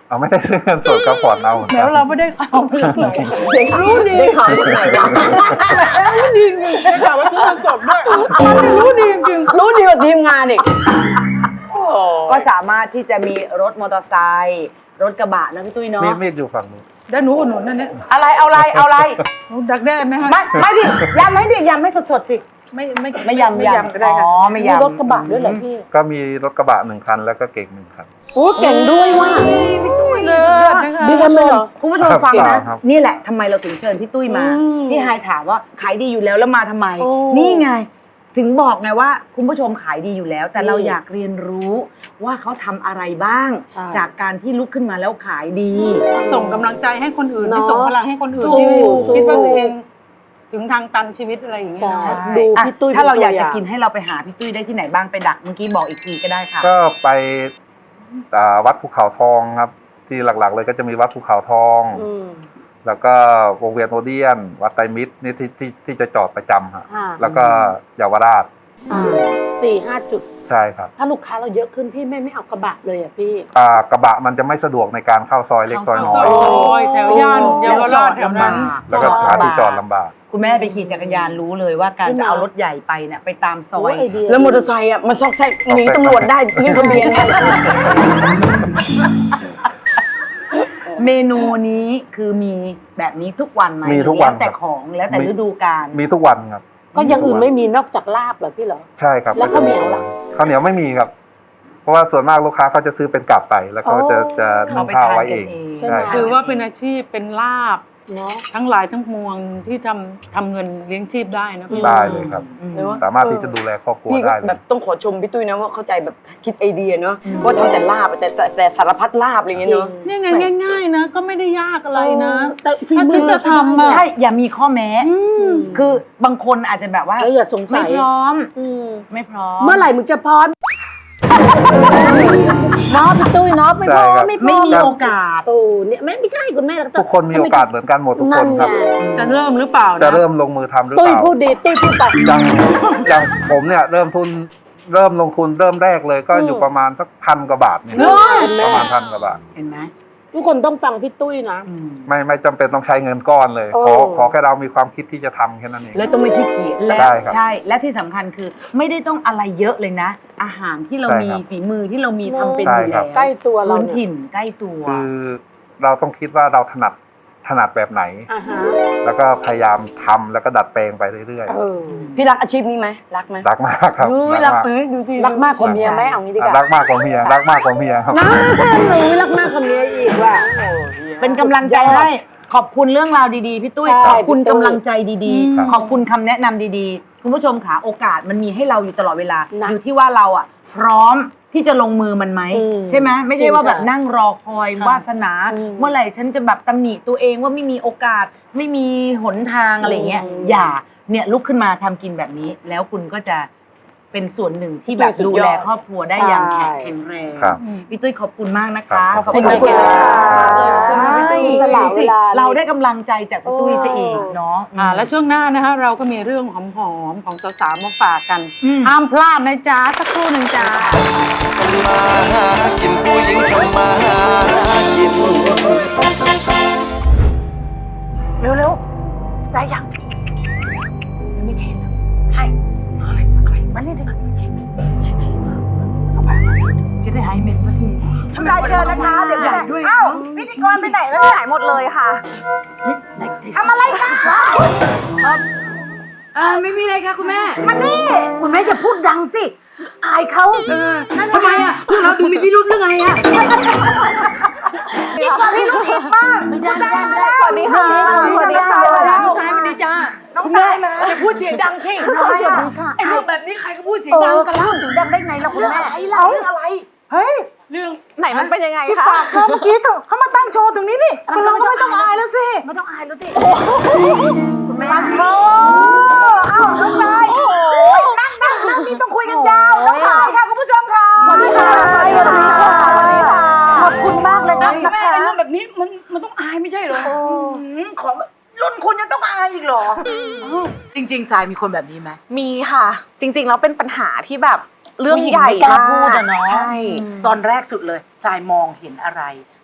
Speaker 4: เอาไม่ได้ซื้อเงินสดก็ผ่อนเอาหมือนกัน
Speaker 5: แล้วเราไม่ได้ข่าวมาจากไหน
Speaker 3: ได้ข่าวได้ข่าวจากไหนวะ
Speaker 5: รู้ดีจริงได้ข่าวว่าซื้อเงินสดด้วยรู้ดีจริง
Speaker 3: รู้ดีกว่าทีมงานอีก
Speaker 2: ก็สามารถที่จะมีรถมอเตอร์ไซค์รถกระบะนะพี่ตุ้ยเนาะ
Speaker 4: มีดมีดอยู่ฝั่งนู้น
Speaker 5: ได้หนูอุดหนุนนั่นเนี่ย
Speaker 2: อะไรเอาอะไรเอาอะไร
Speaker 5: หนูดักแด้ไหมฮะ
Speaker 2: ไม่ไม่ดิยำให้ดิยำให้สดๆสิ
Speaker 5: ไม่ไม่
Speaker 2: ไม่ยำ
Speaker 5: ไม่ยำก็ได้
Speaker 2: อ๋
Speaker 5: ค่ะ
Speaker 2: อไม่ยำ
Speaker 3: รถกระบะด้วยเหรอพี่
Speaker 4: ก็มีรถกระบะหนึ่งคันแล้วก็เก๋งหนึ่งคัน
Speaker 3: โอ้เก่งด้วยว่ะ
Speaker 5: เลิศนะคะ
Speaker 3: ดีกันเลยเหรอ
Speaker 2: คุณผู้ชมฟัง
Speaker 4: ครั
Speaker 2: นะ
Speaker 4: บครับ
Speaker 2: นี่แหละทำไมเราถึงเชิญพี่ตุ้ยมา
Speaker 3: อืม
Speaker 2: พี่ไฮายถามว่าขายดีอยู่แล้วแล้วมาทำไม
Speaker 3: โอ้
Speaker 2: นี่ไง ถึงบอกไงว่าคุณผู้ชมขายดีอยู่แล้ว แต่เรา
Speaker 3: อืม
Speaker 2: อยากเรียนรู้ว่าเขาทำอะไรบ้าง
Speaker 3: ใช่
Speaker 2: จากการที่ลุกขึ้นมาแล้วขายดี
Speaker 5: ส่งกำลังใจให้คนอื่น
Speaker 3: เนอะ
Speaker 5: ให้ส่งพลังให้คนอื่น
Speaker 3: สู้
Speaker 5: ที่
Speaker 3: สู้
Speaker 5: คิดว่าตัวเอง ถึงทางตันชีวิตอะไรอย่างเงี้ย
Speaker 3: ใช่
Speaker 5: เนาะ
Speaker 3: ดู
Speaker 2: อ่ะ
Speaker 3: พี่ตุ้ย
Speaker 2: ถ้าเราอยาก
Speaker 3: เป็น
Speaker 2: จะ
Speaker 3: ตัวอย่าง
Speaker 2: กินให้เราไปหาพี่ตุ้ยได้ที่ไหนบ้างไปดักเมื่อกี้บอกอีกทีก็ได้ค่ะ
Speaker 4: ก็ไปอ่าวัดภูเขาทองครับ ที่หลักๆ เลยก็จะมีวัดภูเขาทอง
Speaker 3: อืม
Speaker 4: แล้วก็วงเวียนโอเดียน วัดไตรมิตรนี่ที่ที่ที่จะจอดประจำฮะ
Speaker 3: อ่า
Speaker 4: แล้วก็เยาวราช
Speaker 3: อ่าสี่ห้าจุด
Speaker 4: ใช่ครับ
Speaker 3: ถ้าลูกค้าเราเยอะขึ้นพี่ไม่ไม่เอากระบะเลยอ่ะพี่
Speaker 4: อ่ากระบะมันจะไม่สะดวกในการเข้าซอยเล็กซอยน้อย
Speaker 5: ซอยแถวย่านเยาวราชแถวนั้น
Speaker 4: แล้วก็หาที่จอดลำบาก
Speaker 2: คุณแม่ไปขี่จักรยานรู้เลยว่าการจะเอารถใหญ่ไปเนี่ยไปตามซอย
Speaker 3: โอ้ยไอเดียแล้วมอเตอร์ไซค์อ่ะมันซอกแซกหนีตำรวจได้ยิ่งทะเบียน
Speaker 2: เมนูนี้คือมีแบบนี้ทุกวันไหม
Speaker 4: มีทุกวัน
Speaker 2: แล้วแต่
Speaker 4: ครับ
Speaker 2: ของแล้วแต่
Speaker 4: มี
Speaker 2: ฤดูกาล
Speaker 4: มีทุกวันครับ
Speaker 3: ก็อยังอื่นไม่มีนอกจากลาบเหรอพี่เหรอ
Speaker 4: ใช่ครับ
Speaker 3: แล้วข้าวเหนียวล่ะ
Speaker 4: ข้าวเหนียวไม่มีครับ เพราะว่าส่วนมากลูกค้าเขาจะซื้อเป็นกลับไป แล้วเขาจะ
Speaker 3: อ๋อ
Speaker 4: จะ
Speaker 2: เขา
Speaker 4: นึ่ง
Speaker 2: ไป
Speaker 4: ข้าว
Speaker 2: ทาน
Speaker 4: ไว้
Speaker 2: กั
Speaker 4: เอน ง
Speaker 2: เอง
Speaker 3: ใช่ไหม
Speaker 4: ใช่
Speaker 5: ถือว่าเป็นอาชีพเป็นลาบ
Speaker 3: เนาะ
Speaker 5: ทั้งหลายทั้งมวลที่ทำทำเงินเลี้ยงชีพได้นะพี่
Speaker 4: ได้เลยครับ
Speaker 2: อืม
Speaker 4: สามารถที่จะดูแลครอบครัว
Speaker 3: พี่
Speaker 4: ได้เล
Speaker 3: แบ
Speaker 4: ย
Speaker 3: บต้องขอชมพี่ตุ้ยนะว่าเข้าใจแบบคิดไอเดียเนาะว่าทำแต่ลาบแต่แต่แต่สารพัดลาบอะไรอย่างเงี้ยเนาะ
Speaker 5: นี่ไงง่ายๆนะก็ไม่ได้ยากอะไรนะ
Speaker 3: แต่ฝี
Speaker 5: ถ้า
Speaker 3: มื
Speaker 5: ที่
Speaker 3: อ
Speaker 5: จะทำอะ
Speaker 2: ใช่อย่ามีข้อแม้ คือบางคนอาจจะแบบว่า
Speaker 3: เอออย่าสงสั
Speaker 2: ไม่
Speaker 3: ย
Speaker 2: พร้อม
Speaker 3: อืม
Speaker 2: ไม่พร้อม
Speaker 3: เมื่อไหร่มึงจะพร้อมเนาะพี่ตุ้ยเนาะไม่พร้อ
Speaker 4: ใช่ครั
Speaker 3: ม
Speaker 4: บ
Speaker 3: ไม่พร้
Speaker 2: ไม่
Speaker 3: อม
Speaker 2: มีโอกาส
Speaker 3: โอ้เนี่ยไม่ไม่ใช่คุณแม่
Speaker 4: ทุกคนมีโอกาสเหมือนกันหมดทุกคนครับ
Speaker 5: จะเริ่มหรือเปล่านะ
Speaker 4: จะเริ่มลงมือทำหรือ
Speaker 3: ตุ้
Speaker 4: เป
Speaker 3: ย
Speaker 4: ล่า
Speaker 3: พูดดีตุ้ยพูดไป
Speaker 4: อย่างอย่างผมเนี่ยเริ่มทุนเริ่มลงทุนเริ่มแรกเลยก็อยู่ประมาณสักพันกว่าบาทเนี่ย
Speaker 3: เห็นไหม
Speaker 4: ประมาณพันกว่าบาท
Speaker 2: เห็นไหม
Speaker 3: ทุกคนต้องฟังพี่ตุ้ยนะ
Speaker 2: อืม
Speaker 4: ไม่ไม่จำเป็นต้องใช้เงินก้อนเลย
Speaker 3: โอ้
Speaker 4: ขอขอแค่เรามีความคิดที่จะทำแค่นั้นเอง
Speaker 3: แล้วต้องไม่ขี้เกียจ
Speaker 2: และ
Speaker 4: ใช่ครับ
Speaker 2: ใช่ และที่สำคัญคือไม่ได้ต้องอะไรเยอะเลยนะ อาหารที่เรา
Speaker 4: ใช่
Speaker 2: มี
Speaker 4: ครับ
Speaker 2: ฝีมือที่เรามี
Speaker 3: ใช่
Speaker 2: ทำเป็น
Speaker 4: ใช่
Speaker 2: อยู่
Speaker 4: ครั
Speaker 2: แล้ว
Speaker 4: บ
Speaker 3: ใกล้ตัวเรา
Speaker 2: พื้น
Speaker 3: เนี่ย
Speaker 2: ถิ่นใกล้ตัว
Speaker 4: คือเราต้องคิดว่าเราถนัดถนัดแบบไหน
Speaker 3: อ่าฮะ
Speaker 4: แล้วก็พยายามทำแล้วก็ดัดแปลงไปเรื่อย
Speaker 3: เออพี่รักอาชีพนี้ไหมรักไหม
Speaker 4: ๆรักมากครับ
Speaker 3: เฮ้ยรักเอ้ยดูดิรักมากกว่าเมียไหมเอางี้ดีกว่า
Speaker 4: รักมากกว่าเมียรักมากกว่าเมียครับ
Speaker 3: น่าหนูรักมากกว่าเมียอีกว่ะ
Speaker 2: เป็นกำลังใจให้ขอบคุณเรื่องราวดีๆพี่ตุ้ย
Speaker 3: ใช่
Speaker 2: ขอบคุณ
Speaker 3: พี่ตุ้ย
Speaker 2: กำลังใจดี
Speaker 4: ครับ
Speaker 2: ๆ ขอบคุณคำแนะนำดีๆ คุณผู้ชมค่ะโอกาสมันมีให้เราอยู่ตลอดเวลา
Speaker 3: นะ
Speaker 2: อยู่ที่ว่าเราอ่ะ พร้อมที่จะลงมือมันไหม
Speaker 3: อืม
Speaker 2: ใช่ไหมไม่ใช่ว่าแบบนั่งรอคอย
Speaker 3: ค่ะ
Speaker 2: วาสนา
Speaker 3: อืม
Speaker 2: เมื่อไหร่ฉันจะแบบตำหนิตัวเองว่าไม่มีโอกาสไม่มีหนทางอะไรเงี้ย
Speaker 3: อืม
Speaker 2: อย่าเนี่ยลุกขึ้นมาทำกินแบบนี้ แล้วคุณก็จะเป็นส่วนหนึ่งที่แบบ
Speaker 3: สุดยอด
Speaker 2: ดูแลครอบครัวได้อย่าง
Speaker 3: ใช่
Speaker 2: แข็งแรง
Speaker 4: ครับ
Speaker 2: พี่ตุ้ยขอบคุณมากนะคะ
Speaker 4: ครับ
Speaker 3: ขอบคุณค่ะ
Speaker 2: ใช่
Speaker 3: พี่ตุ้ยสละเวลา
Speaker 2: เราได้กำลังใจจากพี่ตุ้ยซะเองเนาะ
Speaker 5: อ่าแล้วช่วงหน้านะคะเราก็มีเรื่องหอมๆของสาวๆมาฝากกัน
Speaker 2: อืม
Speaker 5: ห้ามพลาดนะจ๊ะสักครู่หนึ่งจ้า
Speaker 7: มาหากินผู้หญิงทำมาหากิน
Speaker 2: เร็วๆ ได้ยังยังไม่เทนให้มันนี่ดิจะได้หายเหม็นสักทีทำลายเจอนะคะเดี๋ยวใหญ่ด้วยอ้าวพิธีกรไปไหนแล้วเนี่ยหายหมดเลยค่ะทำอะไรกันเออไม่มีอะไรค่ะคุณแม่มันนี่
Speaker 3: คุณแม่จะพูดดังสิอายเขา
Speaker 2: ทำไมอ่ะพวกเราดูมีพิรุธเรื่องไงอ่ะดีกว่าพี่ลูกอีกบ้าง
Speaker 3: ไม่ได้ไม่ได้ไม่ได้
Speaker 2: สวัสดีค่ะสวัสดีค่ะ
Speaker 3: น้องชายมันดีจ้า
Speaker 2: น้องชายมาอย่าพูดเสียงดังสิ
Speaker 3: สวัสดีค่ะ
Speaker 2: ไอ้เรื่องแบบนี้ใครก็พูดเสียง
Speaker 3: เอ
Speaker 2: ดัง
Speaker 3: อ
Speaker 2: กัน
Speaker 3: พูดเสียงดังได้ไงล่ะคุณแม่
Speaker 2: ไอ้เราเรื่องอะไรเฮ้ย
Speaker 8: ไหนมันเป็นยังไง
Speaker 2: ที่
Speaker 8: คะ
Speaker 2: ฝากเธอเมื่อกี้เขามาตั้งโชว์ตรงนี้นี่คนเราก็ไม่ต้องอายแล้วสิ
Speaker 3: ไม่ต้องอายแล้วสิ
Speaker 2: คุณแม่ปันโธ่เอ้าน้องชายนั่งนั่งนั่งนี่ต้องคุยกันยาวน้องชายค่ะคุณผู้ชมค่ะสวัสดีค่ะสวัสดีค่ะสวัสดีค่ะ
Speaker 3: ขอบคุณมากเลยนะ
Speaker 2: แม่ไอ้เรื่องแบบนี้มันมันต้องอายไม่ใช่เหรอมของรุ่นคุณยังต้องอายอีกเหรอจริงๆสายมีคนแบบนี้ไหม
Speaker 8: มีค่ะ จริง ๆ แล้วเป็นปัญหาที่แบบเรื่องใหญ่
Speaker 2: ผู้หญิงไม่กล้
Speaker 8: มา
Speaker 2: พูด
Speaker 8: ก
Speaker 2: อะเนาะ
Speaker 8: ใช่
Speaker 2: ตอนแรกสุดเลยสายมองเห็นอะไร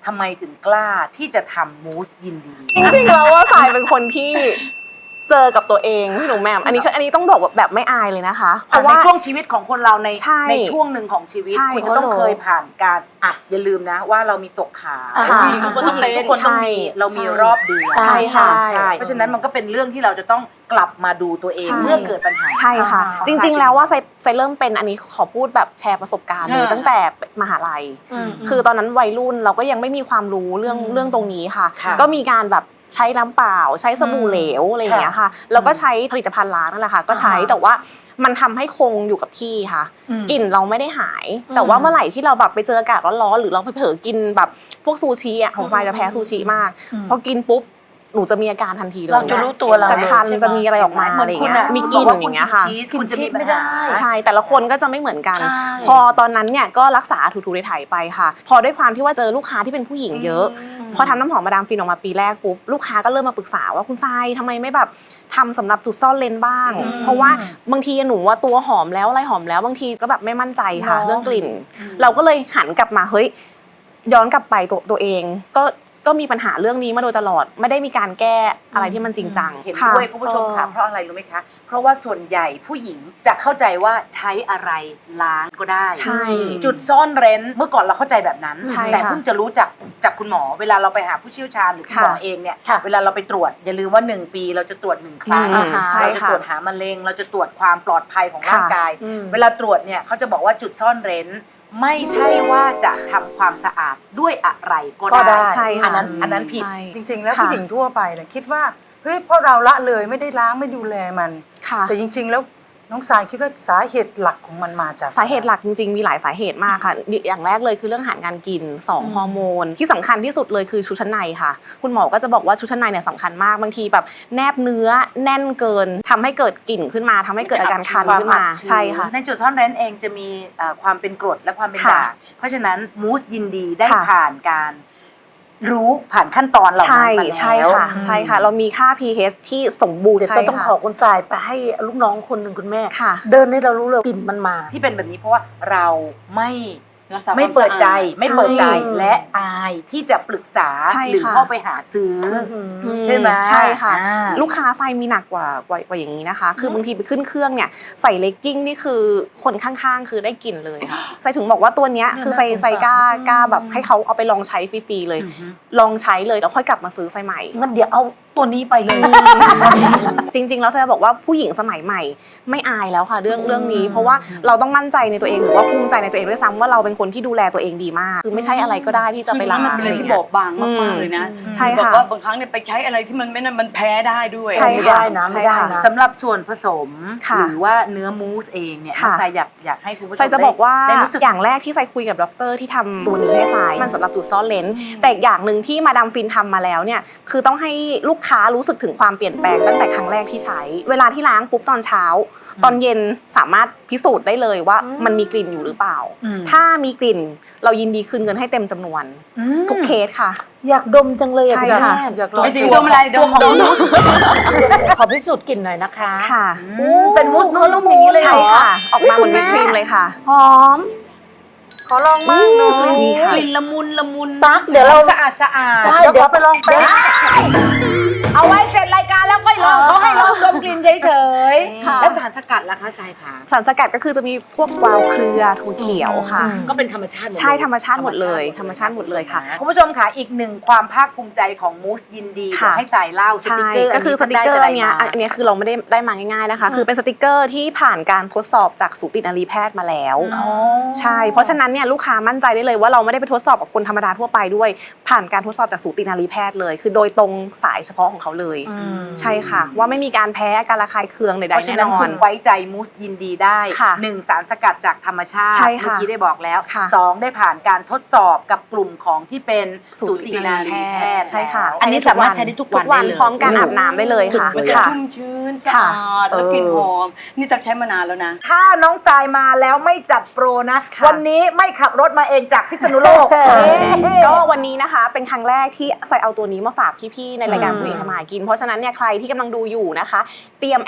Speaker 2: ทำไมถึงกล้าที่จะทำมูสยินดี
Speaker 8: จริงๆแล้วว่าสายเป็นคนที่เจอกับตัวเองพี่หนูแหม่มอันนี้คืออันนี้ต้องบอกแบบไม่อายเลยนะคะเพราะว่า
Speaker 2: ในช่วงชีวิตของคนเราใน
Speaker 8: ใช่
Speaker 2: ในช่วงหนึ่งของชีวิต
Speaker 8: ใช่
Speaker 2: คุณจะต้องเคยผ่านการอ่ะอย่าลืมนะว่าเรามีตกขา
Speaker 8: ค่ะ
Speaker 2: ผู้หญิงทุกคนต้องเป็นทุกคนต้องมีเรามีรอบเดือน
Speaker 8: ใช่ค่ะ
Speaker 2: ใช่เพราะฉะนั้นมันก็เป็นเรื่องที่เราจะต้องกลับมาดูตัวเอง
Speaker 8: ใช่
Speaker 2: เมื่อเกิดปัญหา
Speaker 8: ใช่ค่ะ จริงๆแล้วว่าไซไซเริ่มเป็นอันนี้ขอพูดแบบแชร์ประสบการณ์เลยตั้งแต่มหาลัย คือตอนนั้นวัยรุ่นเราก็ยังไม่มีความรู้เรื่องเรื่องตรงนี้ค่ะ
Speaker 2: ค่ะ
Speaker 8: ก็มีการแบบใช้น้ำเปล่าใช้สบู่เหลวอะไรอย่างเงี้ยค่ะแล้วก็ใช้ผลิตภัณฑ์ล้างนั่นแหละค่ะก็ใช้แต่ว่ามันทำให้คงอยู่กับที่ค่ะกลิ่นเราไม่ได้หาย แต่ว่าเมื่อไหร่ที่เราแบบไปเจออากาศร้อนๆหรือเราไปเผลอกินแบบพวกซูชิอ่ะของทรายจะแพ้ซูชิมากพอกินปุ๊บหนูจะมีอาการทันทีเลย
Speaker 2: เราจะรู้ตัวเรา
Speaker 8: จะคัน
Speaker 2: เลยใช่ไหม
Speaker 8: จะมีอะไรออกมาอะไรอย่างเงี้ยมีกลิ่นอย่างเงี้ยค่ะ
Speaker 2: คุณจะมีปัญหา
Speaker 8: ใช่แต่ละคนก็จะไม่เหมือนกัน พอตอนนั้นเนี่ยก็รักษาถูๆไถๆไปค่ะ พอด้วยความที่ว่าเจอลูกค้าที่เป็นผู้หญิงเยอะ พอทำน้ำหอมมาดามฟินออกมาปีแรกปุ๊บลูกค้าก็เริ่มมาปรึกษาว่าคุณทรายทำไมไม่แบบทำสำหรับจุดซ่อนเลนบ้าง เพราะว่าบางทีหนูว่าตัวหอมแล้วอะไรหอมแล้วบางทีก็แบบไม่มั่นใจค่ะเรื่องกลิ่น เราก็เลยหันกลับมาเฮ้ยย้อนกลับไปตัวตัวเองก็ก็มีปัญหาเรื่องนี้มาโดยตลอดไม่ได้มีการแก้อะไรที่มันจริงจัง
Speaker 2: เห็น
Speaker 8: ค่ะ
Speaker 2: ด้วยคุณผู้ชมค่ะเพราะอะไรรู้ไหมคะ เพราะว่าส่วนใหญ่ผู้หญิงจะเข้าใจว่าใช้อะไรล้างก็ได้
Speaker 8: ใช่
Speaker 2: จุดซ่อนเร้นเมื่อก่อนเราเข้าใจแบบนั้น
Speaker 8: ใช่
Speaker 2: แต่
Speaker 8: ค่ะ
Speaker 2: เพิ่งจะรู้จักจากคุณหมอ เวลาเราไปหาผู้เชี่ยวชาญหรือคุณหมอ
Speaker 8: ค่ะ
Speaker 2: เองเนี่ยเวลาเราไปตรวจอย่าลืมว่าหนึ่งปีเราจะตรวจหนึ่งครั้ง
Speaker 8: อืมใช่
Speaker 2: เราจะ
Speaker 8: ค่ะ
Speaker 2: ตรวจหามะเร็ง เราจะตรวจความปลอดภัยของร่าง
Speaker 8: ค่ะ
Speaker 2: กาย เวลาตรวจเนี่ยเขาจะบอกว่าจุดซ่อนเร้น ไม่ใช่ว่าจะทำความสะอาดด้วยอะไรก็
Speaker 3: ก็ได้
Speaker 2: ได้
Speaker 8: ใช่ค่ะ
Speaker 2: อันนั้นอันนั้นผิด
Speaker 8: ใช่
Speaker 9: จริงๆ แล้ว
Speaker 8: ค่ะ
Speaker 9: ผู้หญิงทั่วไปเนี่ยคิดว่าเฮ้ยเพราะเราละเลยไม่ได้ล้างไม่ดูแลมัน
Speaker 8: ค่ะ
Speaker 9: แต่จริงๆ แล้วน้องสายคิดว่าสาเหตุหลักของมันมาจาก
Speaker 8: สาเหตุหลักจริงๆ มีหลายสาเหตุมากค่ะ อย่างแรกเลยคือเรื่องอาหารการกินสองฮอร์โมนที่สำคัญที่สุดเลยคือชุดชั้นในค่ะ คุณหมอก็จะบอกว่าชุดชั้นในเนี่ยสำคัญมากบางทีแบบแนบเนื้อแน่นเกินทำให้เกิดกลิ่นขึ้นมาทำให้เกิดอาการคันขึ้นมาใช่ค่ะ
Speaker 2: ในจุดซ่อนเร้นเองจะมีเอ่อความเป็นกรดและความเป็น
Speaker 8: ค่ะ
Speaker 2: ด่างเพราะฉะนั้นมูสยินดีได้
Speaker 8: ค่ะ
Speaker 2: ผ่านการรู้ผ่านขั้นตอนเหล่า
Speaker 8: ใช่
Speaker 2: นั้นมาแล้ว
Speaker 8: ใช่ค่ะใช่ค่ะ เรามีค่า pH ที่สมบูรณ์
Speaker 3: เดี๋ยว
Speaker 8: ใช่
Speaker 3: จะต้อง
Speaker 8: ค่ะ
Speaker 3: ขอคุณทรายไปให้ลูกน้องคนหนึ่งคุณแม่
Speaker 8: ค่ะ
Speaker 3: เดินให้เรารู้เลยกลิ่นมันมา
Speaker 2: ที่เป็นแบบนี้เพราะว่าเราไม่
Speaker 9: รักษา
Speaker 2: ไม่เปิดใจ
Speaker 9: ความสะอาด
Speaker 2: ไม่เปิดใจ
Speaker 8: ใช่
Speaker 2: และอายที่จะปรึกษา
Speaker 8: ใช่
Speaker 2: หรือ
Speaker 8: ค่ะ
Speaker 2: เข้าไปหาซื้ออ ใช่ไหม
Speaker 8: ใช่ค่ะ
Speaker 2: อ่า
Speaker 8: ลูกค้าไซมีหนักกว่ากว่ากว่าอย่างนี้นะคะ คือบางทีไปขึ้นเครื่องเนี่ยใส่เลกกิ้งนี่คือคนข้างๆ คือได้กลิ่นเลยค่ะไซถึงบอกว่าตัวเนี้ยคือไซไซกล้ากล้าแบบให้เขาเอาไปลองใช้ฟรีๆเลย ลองใช้เลยแล้วค่อยกลับมาซื้อไซใหม่
Speaker 3: งั้นเดี๋ยวเอาตัวนี้ไปเลย
Speaker 8: จริงๆแล้วไซจะบอกว่าผู้หญิงสมัยใหม่ไม่อายแล้วค่ะเรื่องเรื่องนี้ เพราะว่าเราต้องมั่นใจในตัวเองหรือว่าภูมิใจในตัวเองด้วยซ้ำว่าเราเป็นคนที่ดูแลตัวเองดีมาก คือไม่ใช่อะไรก็ได้ที่จะไปล้าง
Speaker 9: มันเป็นอะไรที่บอบบางมากๆเลยนะ
Speaker 8: ใช่
Speaker 9: บอก
Speaker 8: ค่ะ
Speaker 9: ว่าบางครั้งเนี่ยไปใช้อะไรที่มันไม่นั่นมันแพ้ได้ด้วย
Speaker 8: ใช่
Speaker 3: ไม่
Speaker 8: ค่ะ
Speaker 3: ได้นะไม่ได้นะ
Speaker 2: สำหรับส่วนผสม
Speaker 8: ค่ะ
Speaker 2: หรือว่าเนื้อมูสเองเนี่ย
Speaker 8: ค่ะ
Speaker 2: น้องทรายอยากอยากให้คุณผู้ชม
Speaker 8: ไซจะบอกว่า
Speaker 2: ได้รู้สึก
Speaker 8: อย่างแรกที่ไซคุยกับด็อกเตอร์ที่ทำตัวนี้ให้ไซมันสำหรับจุดซ่อนเลนแต่อย่างหนึ่งที่มาดามฟินทำมาแล้วเนี่ยคือต้องให้ลูกค้ารู้สึกถึงความเปลี่ยนแปลงตั้งแต่ครั้งแรกที่ใช้ เวลาที่ล้างปุ๊บตอนเช้า ตอนเย็นสามารถพิสูจน์ได้เลยว่ามันมีกลิ่นอยู่หรือเปล่า ถ้ามีกลิ่นเรายินดีคืนเงินให้เต็มจำนวนทุกเคสค่ะ
Speaker 3: อยากดมจังเลยอะ
Speaker 8: ใช่
Speaker 3: คุณ
Speaker 8: ค่ะ
Speaker 3: แม่
Speaker 9: อยากลองไม่ถึงดมอะไรดมดม
Speaker 3: ขอพิสูจน์กลิ่นหน่อยนะคะ
Speaker 8: ค่ะ
Speaker 2: อืมเป็นมูสนุ่มๆอย่างนี้เลยเหร
Speaker 8: ใช่
Speaker 2: อ
Speaker 8: ค่ะ ออกมาเหมือนวิปครีมเลยค่ะ
Speaker 3: หอม
Speaker 9: ขอลองบ้างหน่อย
Speaker 8: นี่ค่ะ
Speaker 2: กลิ่นละมุนละมุน
Speaker 3: ตั๊กเดี๋ยวเรา
Speaker 2: สะอาดสะอาด
Speaker 3: ได้
Speaker 9: เดี๋ยวขอไปลองแป๊บ
Speaker 2: เอาไว้เสร็จรายการแล้วก็ลองเขาให้ลองดมกลิ่นเฉย
Speaker 8: ค่ะ
Speaker 2: ๆแล้วสารสกัดล่ะคะทรายคะ
Speaker 8: สารสกัดก็คือจะมีพวกกวาวเครือถั่วเขียวค่ะ
Speaker 2: ก็เป็นธรรมชาติหมดเลย
Speaker 8: ใช่ธรรมชาติหมดเลยธรรมชาติหมดเลยค่ะ
Speaker 2: คุณผู้ชมค่ะอีกหนึ่งความภาคภูมิใจของมูสยินดี
Speaker 8: ค่ะ
Speaker 2: เดี๋ยวให้สายเล่าส
Speaker 8: ใช่
Speaker 2: ติกเกอร์
Speaker 8: ก็คือส
Speaker 2: น
Speaker 8: ติ
Speaker 2: นี้
Speaker 8: กเกอร์
Speaker 2: ท่า
Speaker 8: อันเนี้ย
Speaker 2: ได้ะไมา
Speaker 8: อันเนี้ยคือเราไม่ได้ได้มาง่ายๆนะคะ คือเป็นสติกเกอร์ที่ผ่านการทดสอบจากสูตินรีแพทย์มาแล้ว ใช่ เพราะฉะนั้นเนี่ยลูกค้ามั่นใจได้เลยว่าเราไม่ได้ไปทดสอบกับคนธรรมดาทั่วไปด้วย ผ่านการทดสอบจากสูตินรีแพทย์เลย คือโดยตรงสายเฉพาะของเขาเลย ใช่ค่ะ ว่าไม่มีการแพ้การระคายเคืองใด
Speaker 2: เพราะ
Speaker 8: ๆ
Speaker 2: ฉะ
Speaker 8: แน่
Speaker 2: นั้น
Speaker 8: นอ
Speaker 2: คุ
Speaker 8: น
Speaker 2: ณไว้ใจมูสยินดีได้
Speaker 8: ค่ะ
Speaker 2: หนึ่งสารสกัดจากธรรมชาติ
Speaker 8: ใช่
Speaker 2: เมื่อ
Speaker 8: ค่ะ
Speaker 2: กี้ได้บอกแล้ว
Speaker 8: ค่ะ
Speaker 2: สองได้ผ่านการทดสอบกับกลุ่มของที่เป็น
Speaker 8: สู
Speaker 2: สู
Speaker 8: ติ
Speaker 2: ติ
Speaker 8: น
Speaker 2: นา
Speaker 8: รี
Speaker 2: รี
Speaker 8: แพ
Speaker 2: แพ
Speaker 8: ท
Speaker 2: ท
Speaker 8: ย์
Speaker 2: ย์
Speaker 8: ใช่ค่ะ
Speaker 2: อันนี้สามารถใช้ได้ทุกวัน
Speaker 8: ทุกวัน
Speaker 2: ได้เลย
Speaker 8: พร้อมการอาบน้ำได้เลยค่ะ
Speaker 9: มันจะ
Speaker 8: ค่ะ
Speaker 9: ชุ่มชื้นสะอาดแล้วกลิ่นหอม นี่ตักใช้มานานแล้วนะ
Speaker 2: ถ้าน้องทรายมาแล้วไม่จัดโปรนะ
Speaker 8: ค่ะ
Speaker 2: วันนี้ไม่ขับรถมาเองจากพิษณุโลก
Speaker 8: ก็วันนี้นะคะเป็นครั้งแรกที่ใส่เอาตัวนี้มาฝากพี่ๆในรายการผู้หญิงทำมาหากิน เพราะฉะนั้นเนี่ยใครที่กำลังดูอยู่นะคะ เตรียมแอดไลน์ไว้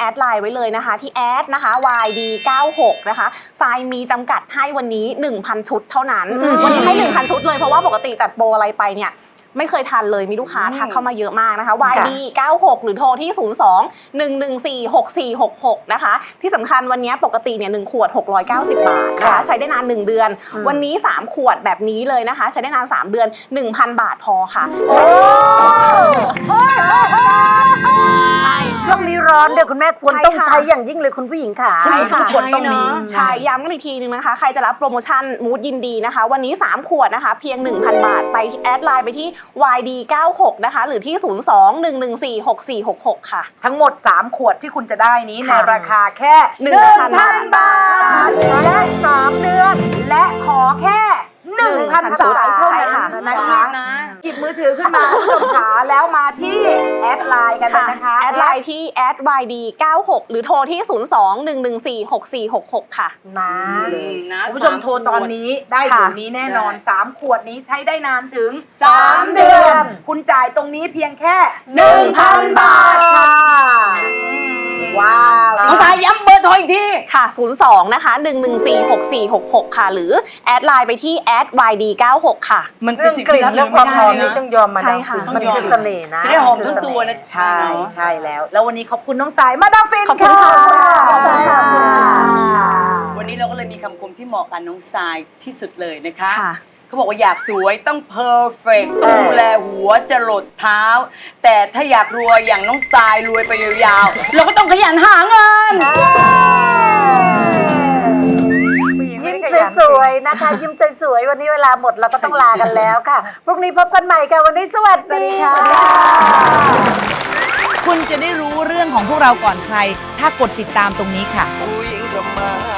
Speaker 8: ว้เลยนะคะที่แอดนะคะ วาย ดี เก้าหก นะคะทรายมีจำกัดให้วันนี้ หนึ่งพัน ชุดเท่านั้นวันนี้ให้ หนึ่งพัน ชุดเลยเพราะว่าปกติจัดโปรอะไรไปเนี่ยไม่เคยทันเลยมีลูกค้าทักเข้ามาเยอะมากนะคะ วาย ดี เก้าหก หรือโทรที่ ศูนย์ สอง หนึ่ง หนึ่ง สี่ หก สี่ หก หก นะคะที่สำคัญวันนี้ปกติเนี่ยหนึ่งขวดหกร้อยเก้าสิบบาทนะคะใช้ได้นานหนึ่งเดือนวันนี้สามขวดแบบนี้เลยนะคะใช้ได้นานสามเดือน หนึ่งพัน บาทพอค่ะใช่
Speaker 2: ช่วงนี้ร้อนเดี๋ยวคุณแม่ควรต้องใช้อย่างยิ่งเลยคุณผู้หญิงค่ะ
Speaker 8: ใช่ค่ะ
Speaker 2: ทุกคนต้องมี
Speaker 8: ใช่ย้ำกันอีกทีนึงนะคะใครจะรับโปรโมชั่นมูดยินดีนะคะวันนี้สามขวดนะคะเพียง หนึ่งพัน บาทไปแอดไลน์ไปที่ วาย ดี เก้าหก นะคะหรือที่ ศูนย์ สอง หนึ่ง หนึ่ง สี่ หก สี่ หก หก ค่ะ
Speaker 2: ทั้งหมดสามขวดที่คุณจะได้นี้ใน
Speaker 8: ค่ะ
Speaker 2: ราคาแค่
Speaker 8: หนึ่งพัน
Speaker 2: บาทและสามเดือนและขอแค่หนึ่งพัน
Speaker 8: ชุ
Speaker 2: สา
Speaker 8: ด
Speaker 2: ยเท่า
Speaker 8: ใช่
Speaker 2: นั้น
Speaker 8: ค่ะ
Speaker 2: นะคะหยิบมือถือขึ้นมาคุณผู้ชมขาแล้วมาที่แอดไลน์กันเลยนะคะ
Speaker 8: แอดไลน์ที่แอด วาย ดี เก้าหก หรือโทรที่ ศูนย์ สอง หนึ่ง หนึ่ง สี่ หก สี่ หก หก ค่ะ
Speaker 2: มาเลยคุณผู้ชมโทรตอนนี้ได้
Speaker 8: ค่ะ
Speaker 2: เดี๋ยวนี้แน่นอนสามขวดนี้ใช้ได้นานถึงสามเดือน คุณจ่ายตรงนี้เพียงแค่
Speaker 8: หนึ่งพัน
Speaker 2: บาทค่ะว้าว
Speaker 3: น้องสายย้ำเบอร์โทรอีกที
Speaker 8: ค่ะ ศูนย์ สอง นะคะ หนึ่ง หนึ่ง สี่ หก สี่ หก หก ค่ะ หรือแอดไลน์ไปที่แอด วาย ดี เก้าหก ค่ะ
Speaker 3: มันเป็
Speaker 2: เรื่
Speaker 3: น
Speaker 2: อง
Speaker 3: สิ่ง
Speaker 2: กลิ่น
Speaker 3: ที่
Speaker 2: เรื่องความหอมนี่ต้องยอมมา
Speaker 8: ใช่
Speaker 2: ดาม
Speaker 8: ค่ะ
Speaker 2: ฟินมันจะเสน่ห์นะ
Speaker 3: จะได้หอมทั้งตัวนะ
Speaker 2: ใช่ใช่แล้ว แล้ววันนี้ขอบคุณน้องสายมาดามฟิน
Speaker 8: ขอบคุณค่ะ
Speaker 2: ขอบคุณค่ะ
Speaker 3: วันนี้เราก็เลยมีคำคมที่เหมาะกับน้องทรายที่สุดเลยนะคะ
Speaker 8: ค่ะ
Speaker 3: เขาบอกว่าอยากสวยต้องเพอร์เฟกต้องดูแลหัวจรดเท้า แต่ถ้าอยากรวยอย่างน้องทรายรวยไปยาวๆ เราก็ต้องขยันหาเงิน
Speaker 2: ยิ้มสวยๆนะคะ ยิ้มสวยๆวันนี้เวลาหมดเราก็ต้องลากันแล้วค่ะพรุ่งนี้พบกันใหม่ค่ะวันนี้สวัสดีค่ะ
Speaker 10: คุณจะได้รู้เรื่องของพวกเราก่อนใคร ถ้ากดติดตามตรงนี้ค่ะ
Speaker 7: ผู้หญิงทำมาหา